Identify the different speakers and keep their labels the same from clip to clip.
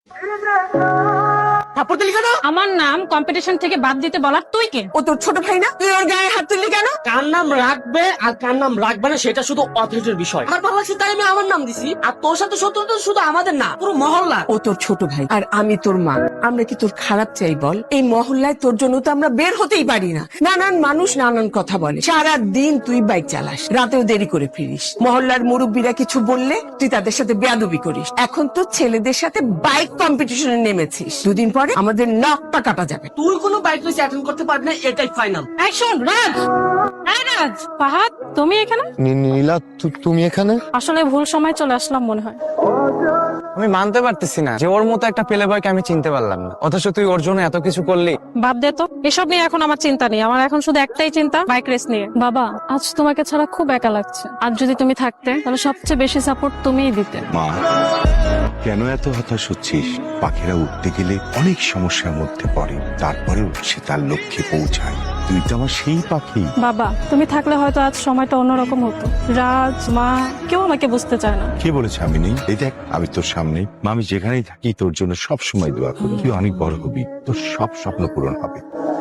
Speaker 1: থাপ্পড় দিলি কেন?
Speaker 2: আমার নাম কম্পিটিশন থেকে বাদ দিতে বলার তুই কে?
Speaker 1: ও তোর ছোট ভাই না? তুই ওর গায়ে হাত তুললি কেন?
Speaker 3: কার নাম রাখবে আর কার নাম রাখবে না সেটা শুধু অথরিটির বিষয়। আমার ভালো লাগছে তাই আমি আমার নাম দিছি। আর তোর সাথে শত্রুতা শুধু আমাদের না, পুরো মহল্লা।
Speaker 1: ও তোর ছোট ভাই আর আমি তোর মা। আমরা কি তোর খারাপ চাই বল? এই মহল্লায় তোর জন্য তো আমরা বের হতেই পারি না। নানান মানুষ নানান কথা বলে। সারা দিন তুই বাইক চালাস, রাতেও দেরি করে ফিরিস। মহল্লার মুরব্বীরা কিছু বললে তুই তাদের সাথে বেয়াদবি করিস। এখন তো ছেলেদের সাথে বাইক কম্পিটিশনে নেমেছিস। দুদিন পরে আমাদের নাকটা কাটা যাবে।
Speaker 3: তুই কোনো বাইক রেস অ্যাটেন্ড করতে পারবি না, এটাই ফাইনাল।
Speaker 2: এই শোন রাজ, এই রাজ, ফাহাদ তুমি এখানে?
Speaker 4: নীলা তুমি এখানে?
Speaker 2: আসলে ভুল সময় চলে আসলাম মনে হয়।
Speaker 4: আমি মানতে পারতেছি না যে ওর মতো একটা পেলে বয়কে আমি চিনতে পারলাম না, অথচ তুই ওর জন্য এত কিছু করলি।
Speaker 2: বাদ দে তো, এসব নিয়ে এখন আমার চিন্তা নেই। আমার এখন শুধু একটাই চিন্তা, বাইক রেস নিয়ে। বাবা, আজ তোমাকে ছাড়া খুব একা লাগছে। আর যদি তুমি থাকতে তাহলে সবচেয়ে বেশি সাপোর্ট তুমিই দিতে।
Speaker 5: মা, কেন এত হতাশ হচ্ছিস? পাখিরা উঠতে গেলে অনেক সমস্যার মধ্যে পড়ে, তারপরেও সে তার লক্ষ্যে পৌঁছায়। তুই তো আমার সেই পাখি।
Speaker 2: বাবা, তুমি থাকলে হয়তো আজ সময়টা অন্যরকম হতো। রাজ, মা, কেউ আমাকে বুঝতে চায় না।
Speaker 5: কে বলেছে আমি নেই? এই দেখ, আমি তোর সামনে। মা, আমি যেখানেই থাকি তোর জন্য সব সময় দোয়া করি। তুই অনেক বড় হবি, তোর সব স্বপ্ন পূরণ হবে।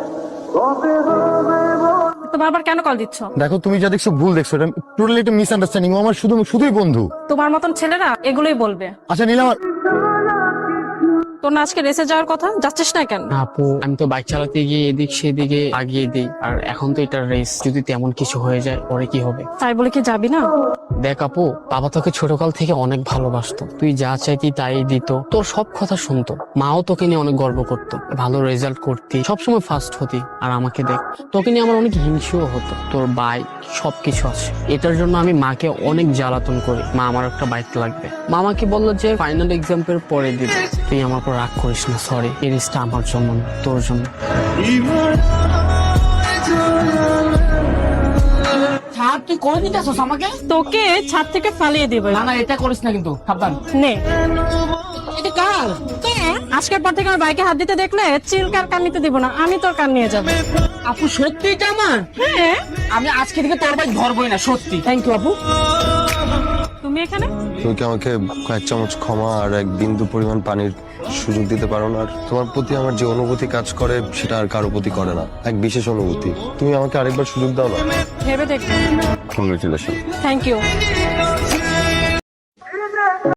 Speaker 2: তো বারবার কেন কল দিচ্ছ?
Speaker 4: দেখো, তুমি যা দেখছো ভুল দেখছো। এটা টোটালি একটা মিসআন্ডারস্ট্যান্ডিং। ও আমার শুধুই বন্ধু।
Speaker 2: তোমার মতন ছেলেরা এগুলোই বলবে।
Speaker 4: আচ্ছা নীলা,
Speaker 2: তোর না আজকে রেসে যাওয়ার কথা, যাচ্ছিস না কেন?
Speaker 6: আপু, আমি তো বাইক চালাতে গিয়ে এদিক সেদিকে আগিয়ে দিই, আর এখন তো এটা রেস, যদি তেমন কিছু হয়ে যায় পরে কি হবে?
Speaker 2: তাই বলে কি যাবি না?
Speaker 6: দেখ আপু, বাবা তোকে ছোটকাল থেকে অনেক ভালোবাসতো। তুই যা চাইতি তাই দিত, তোর সব কথা শুনতো। মাও তোকে নিয়ে অনেক গর্ব করতো, ভালো রেজাল্ট করতি, সবসময় ফার্স্ট হতি। আর আমাকে দেখ, তোকে নিয়ে আমার অনেক হিংসেও হতো। তোর বাইক সবকিছু আছে, এটার জন্য আমি মাকে অনেক জ্বালাতন করি। মা, আমার একটা বাইক লাগবে। মামাকে বললো যে ফাইনাল এক্সামের পরে দিবে। তুই আমার উপর রাগ করিস না, সরি। এই রেসটা আমার জন্য না, তোর জন্য।
Speaker 3: ছাড়, তুই করে দিতেছস আমাকে।
Speaker 2: তোকে ছাদ থেকে ফালিয়ে দিবে।
Speaker 3: না না, এটা করিস না কিন্তু, সাবধান।
Speaker 2: নে,
Speaker 3: এটা কার?
Speaker 2: আজকের পর থেকে আমার বাইকে হাত দিতে দেখলে চিলকার কান নিতে দিব না, আমি তোর কান নিয়ে যাবো।
Speaker 3: আপু সত্যি এটা আমার?
Speaker 2: হ্যাঁ।
Speaker 3: আমি আজকে থেকে তোর বাইক ধরবই না, সত্যি। থ্যাংক ইউ আপু।
Speaker 2: তুমি এখানে?
Speaker 4: তুমি কি আমাকে কয়েক চামচ ক্ষমা আর এক বিন্দু পরিমাণ পানির সুযোগ দিতে পারো না? আর তোমার প্রতি আমার যে অনুভূতি কাজ করে সেটা আর কারো প্রতি করে না, এক বিশেষ অনুভূতি। তুমি আমাকে আরেকবার সুযোগ দাও না।
Speaker 2: ভেবে দেখ।
Speaker 4: কংগ্রেচুলেশন।
Speaker 2: Thank you.